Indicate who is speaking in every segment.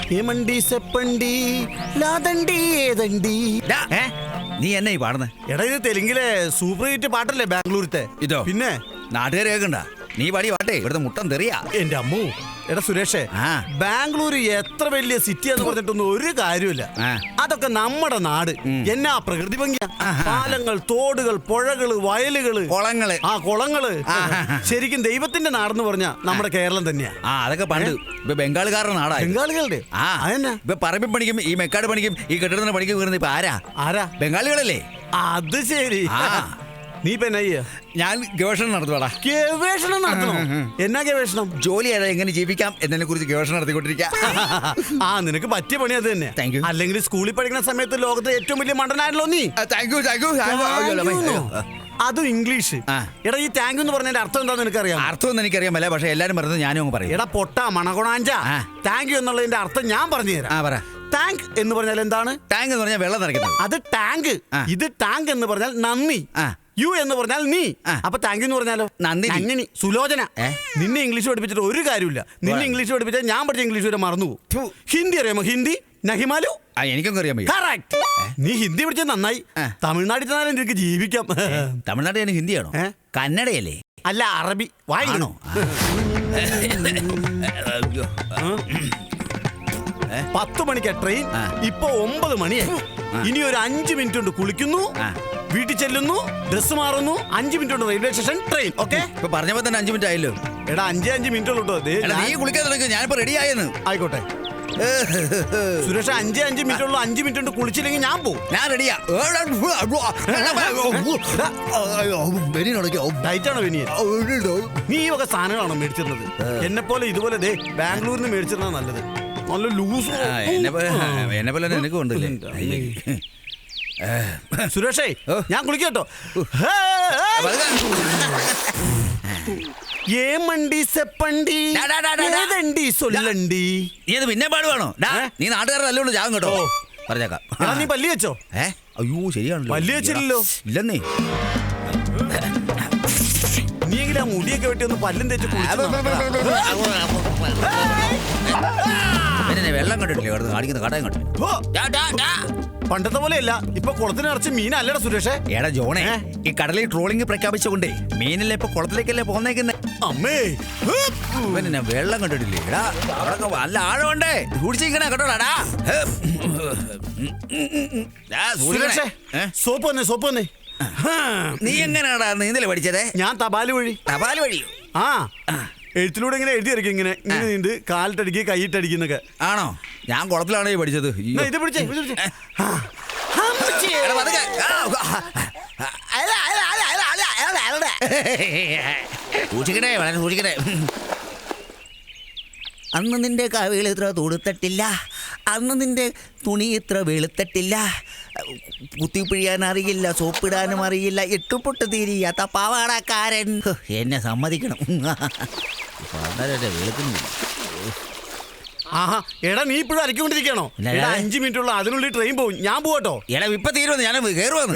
Speaker 1: ഏമണ്ടി സെപ്പണ്ടി ലാദണ്ടി ഏതണ്ടി.
Speaker 2: നീ എന്നെ ഈ പാടുന്നേ?
Speaker 1: എടാ ഇത് തെലുങ്കിലെ സൂപ്പർ ഹിറ്റ് പാട്ടല്ലേ ബാംഗ്ലൂരത്തെ?
Speaker 2: ഇതോ
Speaker 1: പിന്നെ
Speaker 2: നാട്ടുകാർ കേൾക്കണ്ട. നീ പാടി പാട്ടേ ഇവിടുത്തെ മുട്ടം തെറിയാ.
Speaker 1: എന്റെ അമ്മു. എടാ സുരേഷേ, ബാംഗ്ലൂർ എത്ര വലിയ സിറ്റി എന്ന് പറഞ്ഞിട്ടൊന്നും ഒരു കാര്യമില്ല. അതൊക്കെ നമ്മുടെ നാട്. എന്നാ പ്രകൃതി ഭംഗിയാ. പാലങ്ങൾ, തോടുകൾ, പുഴകള്, വയലുകള്,
Speaker 2: കുളങ്ങള്.
Speaker 1: കുളങ്ങള്. ശരിക്കും ദൈവത്തിന്റെ നാടെന്ന് പറഞ്ഞാ നമ്മുടെ കേരളം തന്നെയാ.
Speaker 2: അതൊക്കെ പണ്ട്. ഇപ്പൊ ബംഗാളുകാരുടെ നാടാ.
Speaker 1: ബംഗാളികളുടെ
Speaker 2: ഇപ്പൊ പറമ്പിൽ പണിക്കും ഈ മെക്കാട് പണിക്കും ഈ കെട്ടിടത്തിന് പണിക്കും വീറുന്നത് ഇപ്പൊ ആരാ? ബംഗാളികളല്ലേ?
Speaker 1: അത് ശരി. നീ ഇപ്പൊ എന്നാ?
Speaker 2: ഞാൻ ഗവേഷണം നടത്തുവാടാ.
Speaker 1: ഗവേഷണം നടത്തണോ? എന്നാ ഗവേഷണം?
Speaker 2: ജോലി എങ്ങനെ ജീവിക്കാം എന്നതിനെ കുറിച്ച് ഗവേഷണം നടത്തിക്കൊണ്ടിരിക്കുക.
Speaker 1: നിനക്ക് പറ്റിയ പണി അത് തന്നെ. അല്ലെങ്കിൽ സ്കൂളിൽ പഠിക്കുന്ന സമയത്ത് ലോകത്തെ ഏറ്റവും വലിയ മണ്ടനായല്ലോ നീ. അതും ഇംഗ്ലീഷ്. എടാ ഈ താങ്ക് എന്ന് പറഞ്ഞതിന്റെ അർത്ഥം എന്താന്ന് എനിക്കറിയാം.
Speaker 2: അർത്ഥം എനിക്കറിയാമല്ല, പക്ഷെ എല്ലാരും പറഞ്ഞത് ഞാനും പറയും.
Speaker 1: എടാ പൊട്ട മണകൊണാഞ്ച, താങ്ക് യു എന്നുള്ളതിന്റെ അർത്ഥം ഞാൻ പറഞ്ഞു തരാം. ടാങ്ക് എന്ന് പറഞ്ഞാൽ എന്താണ്?
Speaker 2: ടാങ്ക് എന്ന് പറഞ്ഞാൽ വെള്ളം നിറയ്ക്കുന്നത്.
Speaker 1: അത് ടാങ്ക്. ഇത് ടാങ്ക് എന്ന് പറഞ്ഞാൽ നന്ദി. യു എന്ന് പറഞ്ഞാൽ നീ. അപ്പൊ താങ്ക് യു എന്ന് പറഞ്ഞാലോ? നന്ദി. സുലോചന, നിന്നെ ഇംഗ്ലീഷ് പഠിപ്പിച്ചിട്ട് ഒരു കാര്യമില്ല. നിന്നെ ഇംഗ്ലീഷ് പഠിപ്പിച്ചാൽ ഞാൻ പഠിച്ച ഇംഗ്ലീഷ് വരെ മറന്നു പോകും. ഹിന്ദി അറിയാമോ? ഹിന്ദി നഹിമാലു.
Speaker 2: എനിക്കൊന്നും അറിയാൻ പറ്റും.
Speaker 1: കറക്റ്റ്. നീ ഹിന്ദി പഠിച്ചത് നന്നായി. തമിഴ്നാട്ടിൽ ചെന്നാലും നിനക്ക് ജീവിക്കാം.
Speaker 2: തമിഴ്നാട്ടിൽ ഞാൻ ഹിന്ദിയാണോ? കന്നഡയല്ലേ?
Speaker 1: അല്ല, അറബി. വായിക്കണോ? 10 മണിക്കാ ട്രെയിൻ. ഇപ്പൊ 9 മണിയായി. ഇനി ഒരു 5 മിനിറ്റ് കൊണ്ട് കുളിക്കുന്നു, വീട്ടിൽ ചെല്ലുന്നു, ഡ്രസ് മാറുന്നു, 5 മിനിറ്റ് കൊണ്ട് റെയിൽവേ സ്റ്റേഷൻ ട്രെയിൻ. ഓക്കെ?
Speaker 2: ഇപ്പൊ പറഞ്ഞപ്പോ തന്നെ 5 മിനിറ്റ് ആയല്ലോ.
Speaker 1: എടാ 5 മിനിറ്റ് ഉള്ളൂ.
Speaker 2: നീ കുളിക്കാൻ തുടങ്ങി, ഞാനിപ്പോ റെഡി ആയെന്ന്.
Speaker 1: ആയിക്കോട്ടെ സുരേഷ്, 5 മിനിറ്റ് ഉള്ളൂ. 5 മിനിറ്റ് കൊണ്ട് കുളിച്ചില്ലെങ്കിൽ ഞാൻ പോകും.
Speaker 2: ഞാൻ റെഡിയാ.
Speaker 1: ഡയറ്റാണോ ബനിയൻ? നീ ഈ വക സാധനങ്ങളാണോ മേടിച്ചിരുന്നത്? എന്നെ പോലെ ഇതുപോലെ ബാംഗ്ലൂരിൽ നിന്ന് മേടിച്ചിരുന്ന നല്ലത്. നല്ല ലൂസ്.
Speaker 2: എന്നെ പോലെ നിനക്ക് ഉണ്ടല്ലേ
Speaker 1: സുരേഷേ, ഞാൻ കുളിക്കട്ടോ. ഏമണ്ടി സെപ്പണ്ടി ഏതണ്ടി സൊല്ലണ്ടി.
Speaker 2: നീ അത് പിന്നെ പാടുവാണോ? നീ നാട്ടുകാരുടെ നല്ലോണ്ട് ജാഗം കേട്ടോ. പറഞ്ഞേക്കാം.
Speaker 1: നീ പല്ലി വെച്ചോ?
Speaker 2: അയ്യോ ശരിയാണല്ലോ.
Speaker 1: പല്ലി വെച്ചില്ലല്ലോ.
Speaker 2: ഇല്ലെന്നേ.
Speaker 1: നീ എങ്കിലും ആ മുടിയൊക്കെ വെട്ടി ഒന്ന് പല്ലും തേച്ച്
Speaker 2: വെള്ളം കണ്ടിട്ടില്ലേ? കാണിക്കുന്ന കടയും കണ്ടില്ല.
Speaker 1: പണ്ടത്തെ പോലെയല്ല, ഇപ്പൊ കുളത്തിനിറച്ച് മീനല്ലടാ സുരേഷേ.
Speaker 2: എടാ ജോണേ, ഈ കടലിൽ ട്രോളിംഗ് പ്രഖ്യാപിച്ചുകൊണ്ടേ മീനല്ലേ ഇപ്പൊ കുളത്തിലേക്കല്ലേ പോന്നേക്കുന്നേ.
Speaker 1: അമ്മേ,
Speaker 2: പിന്നെ വെള്ളം കണ്ടിട്ടില്ലേ? എടാ അവിടെ നല്ല ആഴമുണ്ടേ. സൂക്ഷിച്ചിരിക്കണേ കേട്ടോടാ.
Speaker 1: സോപ്പ് വന്നേ.
Speaker 2: നീ എങ്ങനെയാടാ നീന്തല് പഠിച്ചതേ?
Speaker 1: ഞാൻ തപാല് വഴി.
Speaker 2: തപാല് വഴിയോ?
Speaker 1: എഴുത്തിലൂടെ ഇങ്ങനെ എഴുതിയിരിക്കും. ഇങ്ങനെ നീണ്ട് കാലിട്ടടിക്കുക, കൈയിട്ടടിക്കുന്നൊക്കെ.
Speaker 2: ആണോ? ഞാൻ കുളത്തിലാണോ പഠിച്ചത്?
Speaker 1: ഇത് പിടിച്ചേ.
Speaker 2: സൂക്ഷിക്കണേ, വളരെ സൂക്ഷിക്കണേ. അന്ന് നിന്റെ കവികൾ ഇത്ര തുടുത്തിട്ടില്ല, അന്ന് നിന്റെ തുണി ഇത്ര വെളുത്തിട്ടില്ല, കുത്തിപ്പിഴിയാൻ അറിയില്ല, സോപ്പിടാനും അറിയില്ല, ഇട്ടുപൊട്ട് തീരിയാത്ത പാവാടക്കാരൻ. എന്നെ സമ്മതിക്കണം.
Speaker 1: എടാ നീ ഇപ്പോഴും അരക്കൊണ്ടിരിക്കണോ? 5 മിനിറ്റ് ഉള്ള, അതിനുള്ളിൽ ട്രെയിൻ പോകും. ഞാൻ പോകട്ടോ?
Speaker 2: എടാ ഇപ്പൊ തീരുവന്ന്, ഞാൻ കയറുവന്ന്.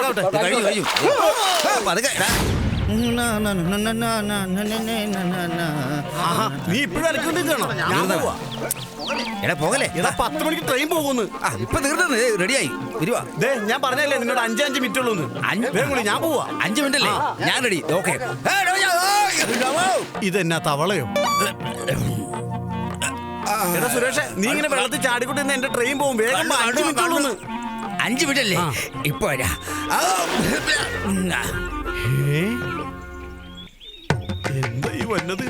Speaker 1: നീ ഇപ്പോഴും അരക്കൊണ്ടിരിക്കണോ?
Speaker 2: എടാ പോകല്ലേ?
Speaker 1: എടാ 10 മണിക്ക് ട്രെയിൻ പോകുന്നു.
Speaker 2: ഇപ്പൊ തീർന്നു, റെഡിയായി വരുവാ.
Speaker 1: ഞാൻ പറഞ്ഞല്ലേ നിന്നോട് 5 മിനിറ്റ് ഉള്ളൂ. ഞാൻ പോവാ.
Speaker 2: 5 മിനിറ്റ് അല്ലേ? ഞാൻ റെഡി. ഓക്കെ.
Speaker 1: ഇതെന്നാ തവളയോ? എടാ സുരേഷ്, നീ ഇങ്ങനെ വെള്ളത്തിൽ ചാടിക്കൊണ്ട് എന്റെ ട്രെയിൻ പോകും. വേഗം 5 മിനിറ്റ് ഉള്ളൂ.
Speaker 2: 5 മിനിറ്റ് അല്ലേ? ഇപ്പൊ
Speaker 1: എന്താ ഈ വന്നത്?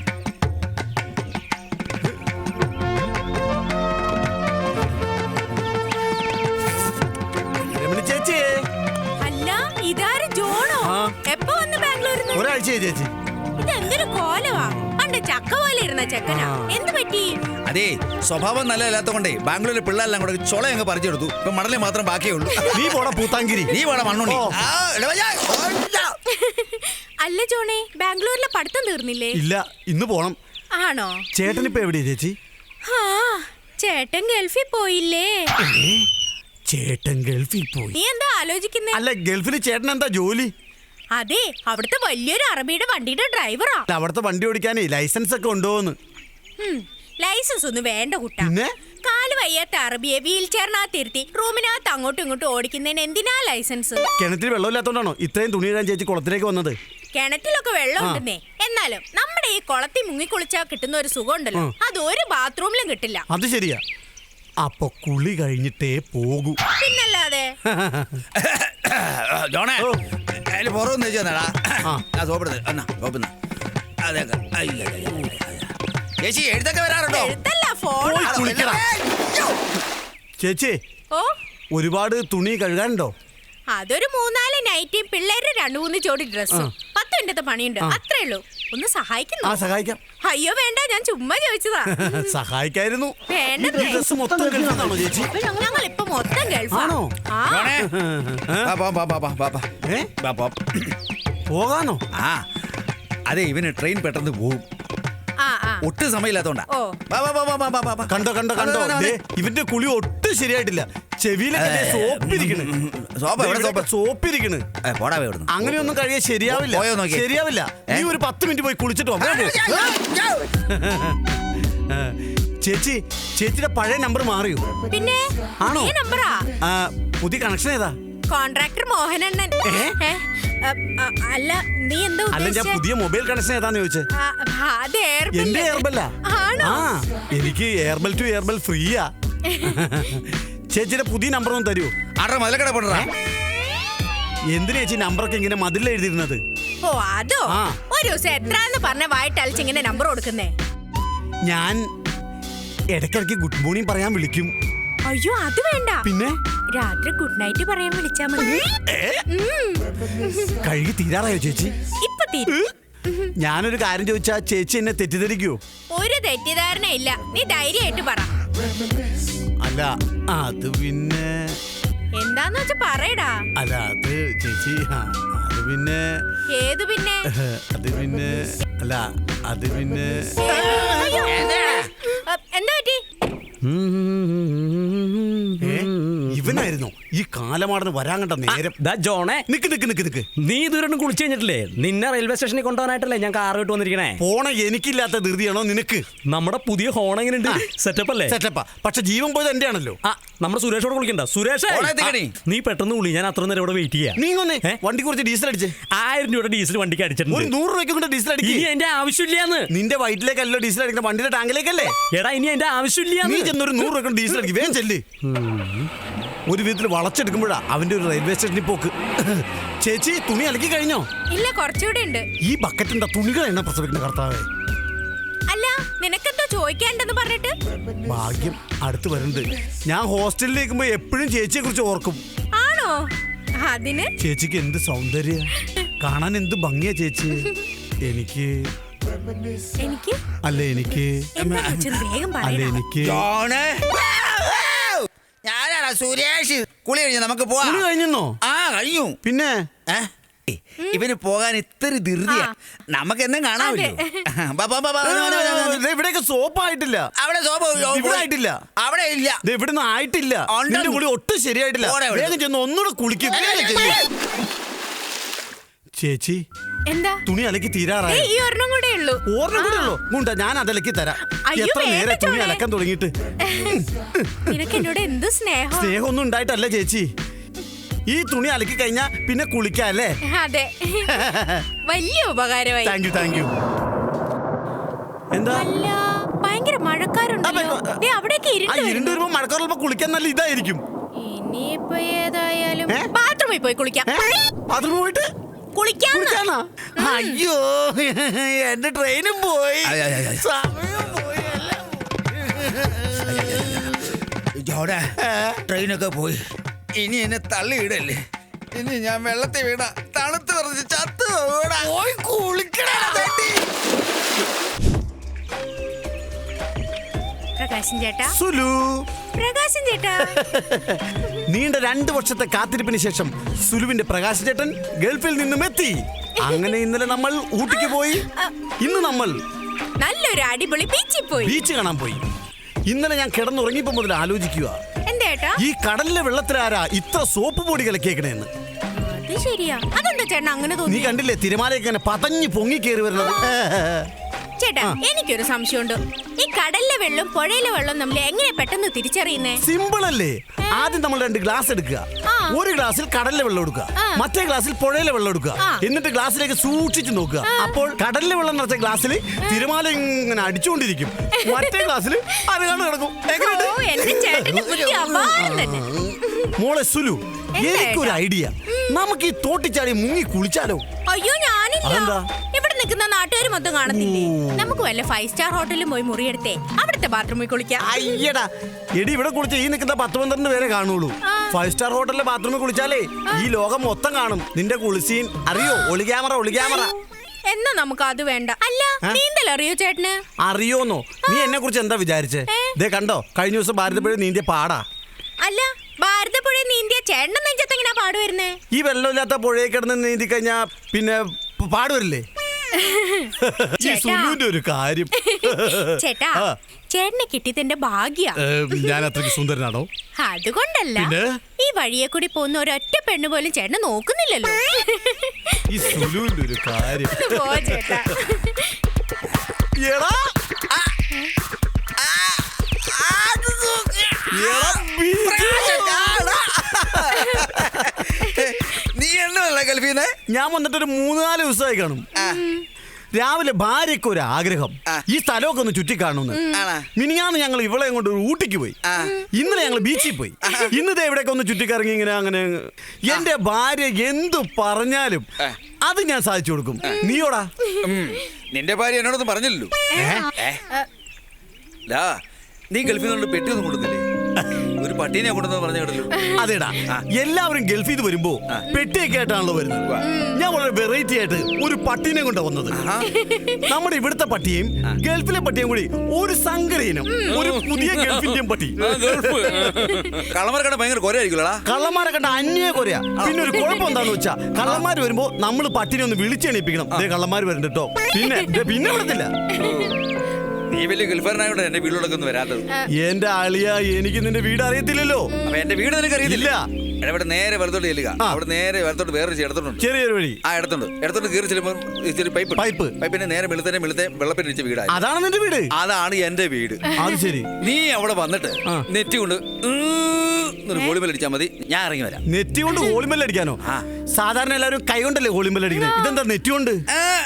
Speaker 1: ചേച്ചി,
Speaker 3: അല്ല ഇതാര് ജോണോ? എപ്പോ വന്ന് ബാംഗ്ലൂരിൽ?
Speaker 1: ഒരാഴ്ചയായി ചേച്ചി.
Speaker 3: ഇതെന്തൊരു കോലവാ. പണ്ട് ചക്ക പോലെ ഇരുന്ന ചെക്കനാ. എന്ത് പറ്റി?
Speaker 2: അതെ, സ്വഭാവം നല്ലതല്ലാത്തോണ്ടേ ബാംഗ്ലൂരിലെ പിള്ളേരെല്ലാം കൂടെ ചൊള അങ്ങ് പറിച്ചെടുത്തു. ഇപ്പൊ മണലേ മാത്രം ബാക്കിയേ ഉള്ളൂ.
Speaker 1: നീ പോടാ പൂത്താങ്കിരി.
Speaker 2: നീ പോടാ മണ്ണുണ്ണി.
Speaker 3: അല്ല ജോണേ, ബാംഗ്ലൂരിലെ പഠിത്തം തീർന്നില്ലേ?
Speaker 1: ഇല്ല, ഇന്ന് പോണം.
Speaker 3: ആണോ?
Speaker 1: ചേട്ടൻ ഇപ്പൊ എവിടെയാ ചേച്ചി?
Speaker 3: ചേട്ടൻ ഗൾഫിൽ പോയില്ലേ?
Speaker 1: ചേട്ടൻ ഗൾഫിൽ പോയി?
Speaker 3: നീ എന്താ ആലോചിക്കുന്നേ?
Speaker 1: അല്ല, ഗൾഫിൽ ചേട്ടൻ എന്താ ജോലി?
Speaker 3: അതെ, അവിടുത്തെ വലിയൊരു അറബിയുടെ വണ്ടിയുടെ ഡ്രൈവറാ.
Speaker 1: അവിടുത്തെ വണ്ടി ഓടിക്കാനേ ലൈസൻസ് ഒക്കെ ഉണ്ടോന്ന്?
Speaker 3: ലൈസൻസ് ഒന്നും വേണ്ട കുട്ടാ. വയ്യാത്ത അറബിയെ വീൽ ചെയറിനകത്ത് ഇരുത്തി റൂമിനകത്ത് അങ്ങോട്ടും ഇങ്ങോട്ടും ഓടിക്കുന്നതിന് എന്തിനാ ലൈസൻസ്?
Speaker 1: കിണറ്റിൽ വെള്ളമില്ലാത്തോണ്ടാണോ ഇത്രയും തുണി ഇടാൻ ചേച്ചി കുളത്തിലേക്ക് വന്നത്?
Speaker 3: കിണറ്റിലൊക്കെ വെള്ളം ഉണ്ടെന്നേ, എന്നാലും നമ്മുടെ ഈ കുളത്തിൽ മുങ്ങിക്കുളിച്ചാൽ കിട്ടുന്ന ഒരു സുഖം ഉണ്ടല്ലോ, അത് ഒരു ബാത്റൂമിലും കിട്ടില്ല.
Speaker 1: അത് ശരിയാ. അപ്പൊ കുളി കഴിഞ്ഞിട്ടേ പോകൂ.
Speaker 3: പിന്നല്ലാതെ.
Speaker 2: ജോണേ അതിൽ പുറമൊന്നും വെച്ചാടാ ചേച്ചി എഴുത്തൊക്കെ വരാറുണ്ടോ?
Speaker 3: എഴുത്തല്ല, ഫോൺ.
Speaker 1: പോയി കുളിക്കടാ. ചേച്ചി
Speaker 3: ഓ,
Speaker 1: ഒരുപാട് തുണി കഴുകാനുണ്ടോ?
Speaker 3: അതൊരു 4-4 നൈറ്റിയും പിള്ളേരുടെ 2-3 ജോഡി ഡ്രസ്സും 10 മിനിറ്റത്തെ പണിയുണ്ട്, അത്രേ ഉള്ളൂ. ഒന്ന് സഹായിക്കുന്നു?
Speaker 1: സഹായിക്കാം.
Speaker 3: അയ്യോ വേണ്ട, ഞാൻ ചുമ്മാ ചോദിച്ചതാ.
Speaker 1: സഹായിക്കായിരുന്നു.
Speaker 3: വേണ്ടതേ.
Speaker 1: ഡ്രസ് മൊത്തം കഴുകാനാണോ ചേച്ചി?
Speaker 3: ഞങ്ങൾ ഇപ്പൊ മൊത്തം ഗൾഫാണോ?
Speaker 2: ജോണേ
Speaker 1: പോകാനോ?
Speaker 2: അതെ, ഇവന് ട്രെയിൻ പെട്ടെന്ന് പോവും, ഒട്ടും സമയമില്ലാത്തോണ്ടാ.
Speaker 3: ഓ.
Speaker 1: കണ്ടോ കണ്ടോ കണ്ടോ, ദേ, ഇവന്റെ കുളി ഒട്ടും ശരിയായിട്ടില്ല. ചെവിയിലൊക്കെ സോപ്പിരിക്കണ്. സോപ്പിരിക്കണ്. അങ്ങനെയൊന്നും കഴിയാൻ ശരിയാവില്ല. ശരിയാവില്ല. നീ ഒരു 10 മിനിറ്റ് പോയി കുളിച്ചിട്ട് വാ. ചേച്ചി, ചേച്ചിയുടെ പഴയ നമ്പർ മാറിയോ?
Speaker 3: പിന്നെ
Speaker 1: ആണോ?
Speaker 3: നമ്പറാ.
Speaker 1: പുതിയ കണക്ഷൻ ഏതാ?
Speaker 3: കോൺട്രാക്ടർ മോഹനണ്ണൻ. അല്ല, നീ എന്താ
Speaker 1: അല്ല, ഞാൻ പുതിയ മൊബൈൽ കണക്ഷൻ ഏതാന്ന് ചോദിച്ചേ. എന്റെ എയർബെല്ല. എനിക്ക് എയർബെൽ ടു എയർബെൽ ഫ്രീയാ. ചേച്ചിയുടെ പുതിയ നമ്പർ ഒന്ന് തരൂ. എന്തിനാ ചേച്ചി നമ്പറൊക്കെ ഇങ്ങനെ മതിൽ എഴുതിയിരുന്നത്?
Speaker 3: ഓ, അതോ? ഒരു ദിവസം എത്രാന്ന് പറഞ്ഞ വായിട്ടലിച്ച് ഇങ്ങനെ നമ്പർ കൊടുക്കുന്നേ?
Speaker 1: ഞാൻ ഇടയ്ക്കിടയ്ക്ക് ഗുഡ് മോർണിംഗ് പറയാൻ വിളിക്കും.
Speaker 3: അയ്യോ, അത് വേണ്ട.
Speaker 1: പിന്നെ
Speaker 3: രാത്രി ഗുഡ് നൈറ്റ് പറയാൻ വിളിച്ചാ മതി.
Speaker 1: കഴുകി തീരാറായോ ചേച്ചി?
Speaker 3: ഇപ്പൊ തീരും.
Speaker 1: ഞാനൊരു കാര്യം ചോദിച്ചാ ചേച്ചി എന്നെ തെറ്റിദ്ധരിക്കോ?
Speaker 3: ഒരു തെറ്റിദ്ധാരണ ഇല്ല, നീ ധൈര്യമായിട്ട് പറ.
Speaker 1: അല്ല, അത് പിന്നെ
Speaker 3: എന്താന്ന് വെച്ചാ പറയടാ.
Speaker 1: അല്ല, അത് ചേച്ചി, അത് പിന്നെ.
Speaker 3: ഏത് പിന്നെ?
Speaker 1: അത് പിന്നെ അല്ല, അത് പിന്നെ.
Speaker 3: എന്താ പറ്റി?
Speaker 1: ഇവനായിരുന്നു ഈ കാലമാടന് വരാൻ കണ്ട നേരം.
Speaker 4: ജോണേ,
Speaker 1: നിക്ക് നിക്ക് നിക്ക് നിക്ക്.
Speaker 4: നീ ഇതുവരെ കുളിച്ചു കഴിഞ്ഞിട്ടില്ലേ? നിന്നെ റെയിൽവേ സ്റ്റേഷനിൽ കൊണ്ടുപോകാനായിട്ടല്ലേ ഞാൻ കാർ ഇട്ട് വന്നിരിക്കണേ.
Speaker 1: പോണ എനിക്കില്ലാത്ത ധൃതിയാണോ നിനക്ക്?
Speaker 4: നമ്മുടെ പുതിയ ഹോൺ എങ്ങനെയുണ്ട്? സെറ്റപ്പ് അല്ലേ?
Speaker 1: സെറ്റപ്പാ. പക്ഷെ ജീവൻ പോയത് എന്റെ ആണല്ലോ.
Speaker 4: നമ്മുടെ സുരേഷോട് കുളിക്കണ്ട. സുരേഷ്, നീ പെട്ടെന്ന് കുളി, ഞാൻ അത്ര നേരം ഇവിടെ വെയിറ്റ് ചെയ്യാം.
Speaker 1: നീ ഒന്നേ വണ്ടി കുറച്ച് ഡീസൽ അടിച്ച്.
Speaker 4: 1000 രൂപയുടെ ഡീസൽ വണ്ടിക്ക് അടിച്ചിട്ടുണ്ട്.
Speaker 1: ഒരു 100 രൂപയ്ക്ക് കൊണ്ട് ഡീസൽ അടിക്കും.
Speaker 4: ഇനി എന്റെ ആവശ്യമില്ലാന്ന്.
Speaker 1: നിന്റെ വയറ്റിലേക്കല്ലോ ഡീസൽ അടിക്കുന്ന, വണ്ടിയുടെ ടാങ്കിലേക്കല്ലേ.
Speaker 4: എടാ, ഇനി എന്റെ ആവശ്യമില്ല.
Speaker 1: നീ ചെന്നൊരു 100 രൂപ ഡീസൽ അടിക്കും. വേഗം ചെല്ല്. ഒരു വിധത്തിൽ വളച്ചെടുക്കുമ്പോഴാ അവന്റെ ഒരു റെയിൽവേ സ്റ്റേഷനിൽ പോക്ക്. ചേച്ചി, തുണി അലക്കി കഴിഞ്ഞോ?
Speaker 3: ഇല്ല, കുറച്ചുകൂടെ ഉണ്ട്.
Speaker 1: ഈ ബക്കറ്റിന്റെ തുണികൾ എണ്ണ പ്രസവിക്കുന്ന കർത്താവേ.
Speaker 3: അല്ല, നിനക്കെന്തോ ചോദിക്കാണ്ടെന്ന് പറഞ്ഞിട്ട്?
Speaker 1: ഭാഗ്യം, അടുത്ത് വരുന്നുണ്ട്. ഞാൻ ഹോസ്റ്റലിലേക്കുമ്പോ എപ്പോഴും ചേച്ചിയെ കുറിച്ച് ഓർക്കും.
Speaker 3: ആണോ? അതിന്
Speaker 1: ചേച്ചിക്ക് എന്ത് സൗന്ദര്യ, കാണാൻ എന്ത് ഭംഗിയാ ചേച്ചി. എനിക്ക്
Speaker 3: എനിക്ക്
Speaker 1: അല്ല എനിക്ക്
Speaker 3: വേഗം
Speaker 1: അല്ല എനിക്ക്
Speaker 2: ഞാനാണ് സുരേഷ്. കുളി കഴിഞ്ഞു, നമുക്ക് പോവാം.
Speaker 1: തുണി കഴിഞ്ഞോ?
Speaker 2: കഴിഞ്ഞു.
Speaker 1: പിന്നെ
Speaker 2: ഇവന് പോകാൻ ഇത്തിരി ധൃതിയാ. നമുക്ക് എന്നും കാണാമല്ലോ.
Speaker 1: ഇവിടെയൊക്കെ സോപ്പായിട്ടില്ല.
Speaker 2: അവിടെ സോപ്പ്
Speaker 1: ഇവിടെ ആയിട്ടില്ല.
Speaker 2: അവിടെ ഇല്ല.
Speaker 1: ഇവിടുന്ന് ആയിട്ടില്ല. നിന്റെ കുളി ഒട്ടും ശരിയായിട്ടില്ല. വേഗം ചെന്ന് ഒന്നുകൂടെ കുളിക്കും. ചേച്ചി,
Speaker 3: എന്താ?
Speaker 1: തുണി അലക്കി തീരാറായി.
Speaker 3: ഈ ഒരെണ്ണം കൂടെ ഉള്ളൂ.
Speaker 1: ഓർമ്മ കൂടെ ഉള്ളൂ. മുണ്ട, ഞാൻ അതലക്കി തരാം.
Speaker 3: അയ്യോ,
Speaker 1: എത്ര നേരം
Speaker 3: വേണ്ട
Speaker 1: തുണി
Speaker 3: ചോളെ.
Speaker 1: അലക്കാൻ തുടങ്ങിയിട്ട്.
Speaker 3: നിനക്ക് എന്നോട് എന്ത് സ്നേഹം.
Speaker 1: സ്നേഹമൊന്നും ഉണ്ടായിട്ടല്ല ചേച്ചി. ഈ തുണി അലക്കി കഴിഞ്ഞാ പിന്നെ കുളിക്കല്ലേ.
Speaker 3: അതെ, വലിയ ഉപകാരമായി.
Speaker 1: Thank you, thank you. എന്താ?
Speaker 3: അല്ല, ഭയങ്കര മഴക്കാരുണ്ടല്ലോ. ദേ, അവിടേക്ക്
Speaker 1: ഇരുണ്ട് വരുമ്പോ മഴക്കാറുള്ളപ്പോ കുളിക്കാൻ നല്ല ഇതായിരിക്കും.
Speaker 3: ഇനിയിപ്പോ ഏതായാലും ബാത്റൂമിൽ പോയി കുളിക്കാം.
Speaker 1: ബാത്റൂമിൽ പോയിട്ട് കുളിക്കാനാ? അയ്യോ, എന്റെ ട്രെയിനും പോയി, സമയം പോയി.
Speaker 2: ട്രെയിനൊക്കെ പോയി. ഇനി എന്നെ തള്ളിയിടല്ലേ. ഇനി ഞാൻ വെള്ളത്തിൽ വീണ തണുത്ത് പറഞ്ഞ് ചത്ത് പോയി കുളിക്കണ.
Speaker 3: പ്രകാശൻ ചേട്ടാ.
Speaker 1: സുലു.
Speaker 3: പ്രകാശൻ ചേട്ടാ.
Speaker 1: നീണ്ട 2 വർഷത്തെ കാത്തിരിപ്പിന് ശേഷം സുലുവിന്റെ പ്രകാശ് ചേട്ടൻ ഗൾഫിൽ നിന്നും എത്തി. അങ്ങനെ ഇന്നലെ നമ്മൾ ഊട്ടിക്ക് പോയി. ഇന്ന് നമ്മൾ
Speaker 3: നല്ലൊരു അടിപൊളി ബീച്ചിൽ പോയി.
Speaker 1: ബീച്ച് കാണാൻ പോയി. ഇന്നലെ ഞാൻ കിടന്നുറങ്ങിയപ്പോ മുതൽ ആലോചിക്കുക, ഈ കടലിലെ വെള്ളത്തിലാരാ ഇത്ര സോപ്പ് പൊടി കലക്കിയേക്കണേന്ന്.
Speaker 3: അത് ശരിയാ. അതെന്താ ചേട്ടൻ അങ്ങനെ
Speaker 1: നീ
Speaker 3: തോന്നി?
Speaker 1: കണ്ടില്ലേ തിരമാലയൊക്കെ പതഞ്ഞ് പൊങ്ങി കയറി വരുന്നത്?
Speaker 3: ചേട്ടാ എനിക്കൊരു സംശയമുണ്ട്. ഈ കടലിലെ വെള്ളം പുഴയിലെ വെള്ളം നമ്മൾ എങ്ങനെ പെട്ടെന്ന് തിരിച്ചറിയുന്നേ?
Speaker 1: സിമ്പിൾ അല്ലേ? ആദ്യം നമ്മൾ 2 ഗ്ലാസ് എടുക്കുക. ഒരു ഗ്ലാസ്സിൽ കടലിലെ വെള്ളം എടുക്കുക, മറ്റേ ഗ്ലാസ്സിൽ പുഴയിലെ വെള്ളം എടുക്കുക. എന്നിട്ട് ഗ്ലാസ്സിലേക്ക് സൂക്ഷിച്ചു നോക്കുക. അപ്പോൾ കടലിലെ വെള്ളം നിറച്ച ഗ്ലാസ്സിൽ തിരമാല ഇങ്ങനെ അടിച്ചുകൊണ്ടിരിക്കും, മറ്റേ ഗ്ലാസ്സിൽ അരകാണ് കിടക്കും. എങ്ങനെയുണ്ട്?
Speaker 3: ഓ, എന്റെ ചേട്ടന്റെ ബുദ്ധി അപാരം തന്നെ.
Speaker 1: മോളെ സുലു, എനിക്കൊരു ഐഡിയ. നമുക്ക് ഈ തോട്ടിച്ചാടി മുങ്ങി കുളിച്ചാലോ?
Speaker 3: അയ്യോ ഞാനില്ല.
Speaker 1: അതെന്താ?
Speaker 3: ഇവിടെ നിൽക്കുന്ന നാട്ടുകാർ മൊത്തം കാണത്തില്ലേ? നമുക്ക് വല്ല 5 സ്റ്റാർ ഹോട്ടലിൽ പോയി മുറിയെടുത്തേ അവിടുത്തെ ബാത്റൂമിൽ കുളിക്കാം.
Speaker 1: അയ്യടാ എടി, ഇവിടെ കുളിച്ച ഈ നിൽക്കുന്ന 10-12 പേരെ കാണുള്ളൂ. 5 സ്റ്റാർ ഹോട്ടലിലെ ബാത്റൂമിൽ കുളിച്ചാലേ ഈ ലോകം മൊത്തം കാണും. നിന്റെ കുളിസീൻ അറിയോ? ഒളി ക്യാമറ.
Speaker 3: എന്നാ നമുക്ക് അത് വേണ്ട. അല്ല, നീന്തൽ അറിയോ ചേട്ടന്?
Speaker 1: അറിയോന്നോ? നീ എന്നെ കുറിച്ച് എന്താ വിചാരിച്ചേ? ദേ കണ്ടോ, കഴിഞ്ഞ ദിവസം ഭാരതപ്പുഴ നീന്തിയ പാടാ.
Speaker 3: അല്ല, ഭാരതപ്പുഴ നീന്തിയ ചേട്ടന്റെ നെഞ്ചത്ത് എങ്ങനെയാ പാട് വരുന്നേ?
Speaker 1: ഈ വെള്ളമില്ലാത്ത പുഴയിൽ കിടന്ന് നീന്തി കഴിഞ്ഞാ പിന്നെ പാടുവരില്ലേ? ഈ സുലുവിന്റെ ഒരു കാര്യം.
Speaker 3: ചേട്ടാ, ചേട്ടനെ കിട്ടിയതിന്റെ ഭാഗ്യ.
Speaker 1: ഞാൻ അത്രയ്ക്ക് സുന്ദരനാണോ?
Speaker 3: അതുകൊണ്ടല്ല, ഈ വഴിയെ കൂടി പോകുന്ന ഒരൊറ്റ പെണ്ണ് പോലും ചേട്ടനെ നോക്കുന്നില്ലല്ലോ.
Speaker 1: ഈ സുലുവിന്റെ ഒരു കാര്യം.
Speaker 3: പോ ചേട്ടാ.
Speaker 1: എടാ,
Speaker 2: നീ എന്നല്ല ഗൾഫീന്ന്?
Speaker 1: ഞാൻ വന്നിട്ട് ഒരു 3-4 ദിവസമായി കാണും. രാവിലെ ഭാര്യയ്ക്ക് ഒരു ആഗ്രഹം, ഈ സ്ഥലമൊക്കെ ഒന്ന് ചുറ്റിക്കാണുന്നു. മിനിഞ്ഞാന്ന് ഞങ്ങൾ ഇവളെ കൊണ്ട് ഊട്ടിക്ക് പോയി. ഇന്നലെ ഞങ്ങൾ ബീച്ചിൽ പോയി. ഇന്നത്തെ ഇവിടെയൊക്കെ ഒന്ന് ചുറ്റിക്കറങ്ങി ഇങ്ങനെ അങ്ങനെ. എന്റെ ഭാര്യ എന്തു പറഞ്ഞാലും അത് ഞാൻ സാധിച്ചു കൊടുക്കും. നീയോടാ?
Speaker 2: നിന്റെ ഭാര്യ എന്നോടൊന്നും പറഞ്ഞില്ലല്ലോ. നീ ഗൾഫിൽ നിന്നുകൊണ്ട് പെട്ടിയൊന്നും കൊണ്ടുവന്നില്ലേ? ഒരു പട്ടീനെ കൊണ്ടുവന്ന് പറഞ്ഞു കേട്ടല്ലോ.
Speaker 1: അതേടാ, എല്ലാവരും ഗൾഫിൽ നിന്ന് വരുമ്പോ പെട്ടിയൊക്കെ ആയിട്ടാണല്ലോ വരുന്നത്. ഞാൻ വളരെ വെറൈറ്റി ആയിട്ട് ഒരു പട്ടീനെ കൊണ്ടാ വന്നത്. നമ്മുടെ ഇവിടുത്തെ പട്ടിയും ഗൾഫിലെ പട്ടിയും കൂടി ഒരു സങ്കരയിനം, ഒരു പുതിയ ഗൾഫിന്റെയും പട്ടി.
Speaker 2: കള്ളന്മാരെ കണ്ട ഭയങ്കര കൊരയായിരിക്കുമല്ലോടാ.
Speaker 1: കള്ളന്മാരെ കണ്ട അന്യ കൊറയാ. പിന്നെ ഒരു കുഴപ്പം എന്താന്ന് വെച്ചാ, കള്ളന്മാര് വരുമ്പോ നമ്മൾ പട്ടിനെ ഒന്ന് വിളിച്ചെണീപ്പിക്കണം. അതേ കള്ളന്മാര് വരുന്നുണ്ട് കേട്ടോ. പിന്നെ വിടത്തില്ല.
Speaker 2: നീ വലിയ ഗൾഫാരനായോണ്ട് എന്റെ വീട്ടിലൊക്കെ ഒന്നും വരാത്തത്.
Speaker 1: എന്റെ ആളിയ, എനിക്ക് നിന്റെ വീട് അറിയത്തില്ലല്ലോ.
Speaker 2: അപ്പൊ എന്റെ വീട് നിനക്ക് അറിയത്തില്ല.
Speaker 1: ഇല്ല.
Speaker 2: ഇവിടെ നേരെ വലത്തോട്ട് ചെല്ലുക. അവിടെ നേരെ വലത്തോട്ട് വേറെ ഇടത്തോട്ടുണ്ട്.
Speaker 1: ചെറിയൊരു വഴി.
Speaker 2: ഇടത്തോട്ട് കയറി ചെല്ലുമ്പോൾ ഇച്ചിരി പൈപ്പിന്റെ നേരെ വെളുത്തെ വെള്ളപ്പിനിച്ച വീടാണ്.
Speaker 1: അതാണ് നിന്റെ വീട്?
Speaker 2: അതാണ് എന്റെ വീട്.
Speaker 1: അത് ശരി.
Speaker 2: നീ അവിടെ വന്നിട്ട് നെറ്റ് കൊണ്ട് ഹോളിമേൽ അടിച്ചാൽ മതി, ഞാൻ ഇറങ്ങി വരാം.
Speaker 1: നെറ്റ് കൊണ്ട് ഹോളിമേൽ അടിക്കാനോ? സാധാരണ എല്ലാവരും കൈ കൊണ്ടല്ലേ ഹോളിമേൽ അടിക്കുന്നത്. ഇതെന്താ നെറ്റ് കൊണ്ട്?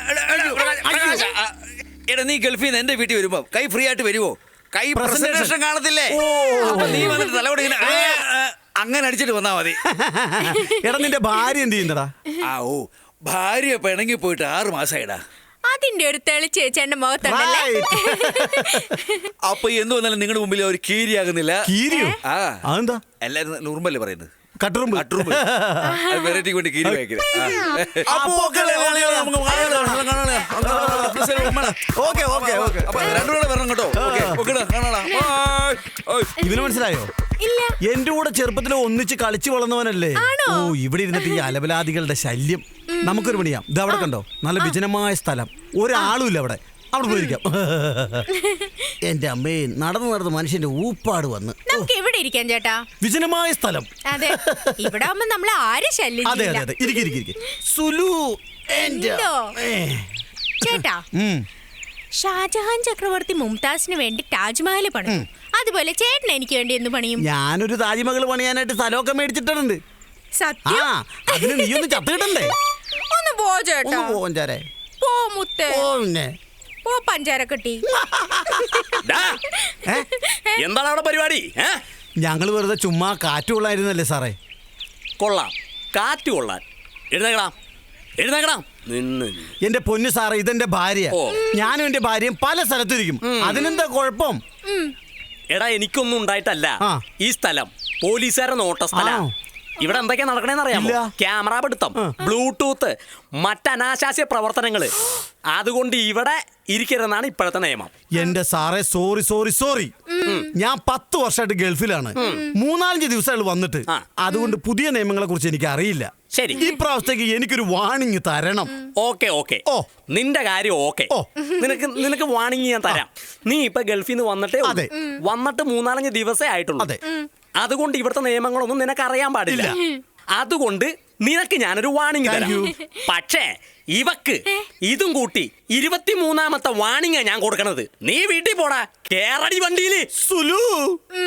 Speaker 2: എടാ, നീ ഗൾഫിൽ നിന്ന് എന്റെ വീട്ടിൽ വരുമ്പോ കൈ ഫ്രീ ആയിട്ട് വരുമോ? കൈ പ്രസന്റേഷൻ കാണത്തില്ലേ? അപ്പൊ നീ വന്നിട്ട് തലയോട് ഇങ്ങനെ അങ്ങനെ അടിച്ചിട്ട് വന്നാ മതി.
Speaker 1: എടാ, നിന്റെ ഭാര്യ എന്ത് ചെയ്യുന്നടാ?
Speaker 2: ഭാര്യ പിണങ്ങി പോയിട്ട് 6 മാസമായിടാ.
Speaker 3: അതിന്റെ ഒരു തെളിച്ച് ചേട്ടന്റെ മുഖത്തുണ്ടല്ലേ.
Speaker 2: അപ്പൊ എന്ത് വന്നാലും നിങ്ങളുടെ മുമ്പിൽ ഒരു കീരിയാകുന്നില്ല.
Speaker 1: കീരിയോ? അതെന്താ?
Speaker 2: എല്ലാരും നുറുമ്പല്ലേ പറയുന്നത്?
Speaker 1: കട്ടുറുമ്പ്.
Speaker 2: വെറൈറ്റി കൊണ്ട് കീരി വായിക്കുന്നത്. രണ്ടുകൂടെ വരണം കേട്ടോ.
Speaker 1: ഇവന് മനസ്സിലായോ? എന്റെ കൂടെ ചെറുപ്പത്തിൽ ഒന്നിച്ച് കളിച്ചു വളർന്നവനല്ലേ? ഓ, ഇവിടെ ഇരുന്നിട്ട് ഈ അലബലാദികളുടെ ശല്യം. നമുക്കൊരു പണിയാം. ഇത് അവിടെ കണ്ടോ, നല്ല വിജനമായ സ്ഥലം, ഒരാളും ഇല്ല അവിടെ. അവിടെ പോയിരിക്കാം. എന്റെ അമ്മേ, നടന്ന് മനുഷ്യന്റെ ഊപ്പാട് വന്ന്.
Speaker 3: നമുക്ക് ഇവിടെ ഇരിക്കാം ചേട്ടാ.
Speaker 1: വിജനമായ സ്ഥലം.
Speaker 3: അതെ, ഇവിടെ ആവുമ്പോ നമ്മളെ ആരും ശല്യം
Speaker 1: അതെ അതെ അതെ. ഇരിക്കും. സുലു
Speaker 3: ചേട്ടാ, ഷാജഹാൻ ചക്രവർത്തി മുംതാസിന് വേണ്ടി താജ്മഹൽ പണിയും. അതുപോലെ ചേട്ടൻ എനിക്ക് വേണ്ടി എന്ത് പണിയും?
Speaker 1: ഞാനൊരു താജ്മഹൽ പണിയാനായിട്ട് സ്ഥലമൊക്കെ മേടിച്ചിട്ടുണ്ട്.
Speaker 3: സത്യം?
Speaker 1: അതിന് നീ ഒന്ന് ചത്തിട്ടണ്ടേ?
Speaker 3: ഒന്ന് പോ ചേട്ടാ.
Speaker 1: പോഞ്ചാരെ
Speaker 3: പോ മുത്തേ.
Speaker 1: പിന്നെ
Speaker 3: പോ പഞ്ചാര കെട്ടി.
Speaker 4: എന്താണ് അവിടെ പരിപാടി?
Speaker 1: ഞങ്ങൾ വെറുതെ ചുമ്മാ കാറ്റ് കൊള്ളായിരുന്നല്ലേ സാറേ.
Speaker 4: കൊള്ളാം, കാറ്റ് കൊള്ളാൻ. എഴുന്നേക്കണം.
Speaker 1: എന്റെ പൊന്നു സാറേ, ഇതെന്റെ ഭാര്യ. ഞാനും എന്റെ ഭാര്യയും പല സ്ഥലത്തിരിക്കും. അതിനെന്താ കുഴപ്പം?
Speaker 4: എടാ, എനിക്കൊന്നും ഉണ്ടായിട്ടല്ല. ഈ സ്ഥലം പോലീസുകാരുടെ നോട്ട സ്ഥലം. ഇവിടെ എന്തൊക്കെയാ നടക്കണേന്ന് അറിയാമോ? ക്യാമറ പിടുത്തം, ബ്ലൂടൂത്ത്, മറ്റനാശാസ്യ പ്രവർത്തനങ്ങള്. അതുകൊണ്ട് ഇവിടെ ഇരിക്കരുതെന്നാണ് ഇപ്പോഴത്തെ നിയമം.
Speaker 1: എന്റെ സാറേ, സോറി. ഞാൻ 10 വർഷമായിട്ട് ഗൾഫിലാണ്. 3-4 ദിവസങ്ങൾ വന്നിട്ട്. അതുകൊണ്ട് പുതിയ നിയമങ്ങളെ കുറിച്ച് എനിക്ക് അറിയില്ല.
Speaker 4: ശരി,
Speaker 1: ഈ പ്രാവശ്യത്തേക്ക് എനിക്കൊരു വാണിംഗ് തരണം.
Speaker 4: ഓക്കെ. നിന്റെ കാര്യം ഓക്കെ. നിനക്ക് വാണിംഗ് ഞാൻ തരാം. നീ ഇപ്പൊ ഗൾഫിൽ നിന്ന് വന്നിട്ട് 3-4 ദിവസമേ ആയിട്ടുള്ളൂ. അതുകൊണ്ട് ഇവിടുത്തെ നിയമങ്ങളൊന്നും നിനക്ക് അറിയാൻ പാടില്ല. അതുകൊണ്ട് നിനക്ക് ഞാനൊരു വാണിംഗ് തരാം. പക്ഷേ ഇവക്ക് ഇതും കൂട്ടി 23ാമത്തെ വാണിംഗാ ഞാൻ കൊടുക്കണത്. നീ വീട്ടിൽ പോടാ, കേറടി വണ്ടിയില്.
Speaker 1: സുലു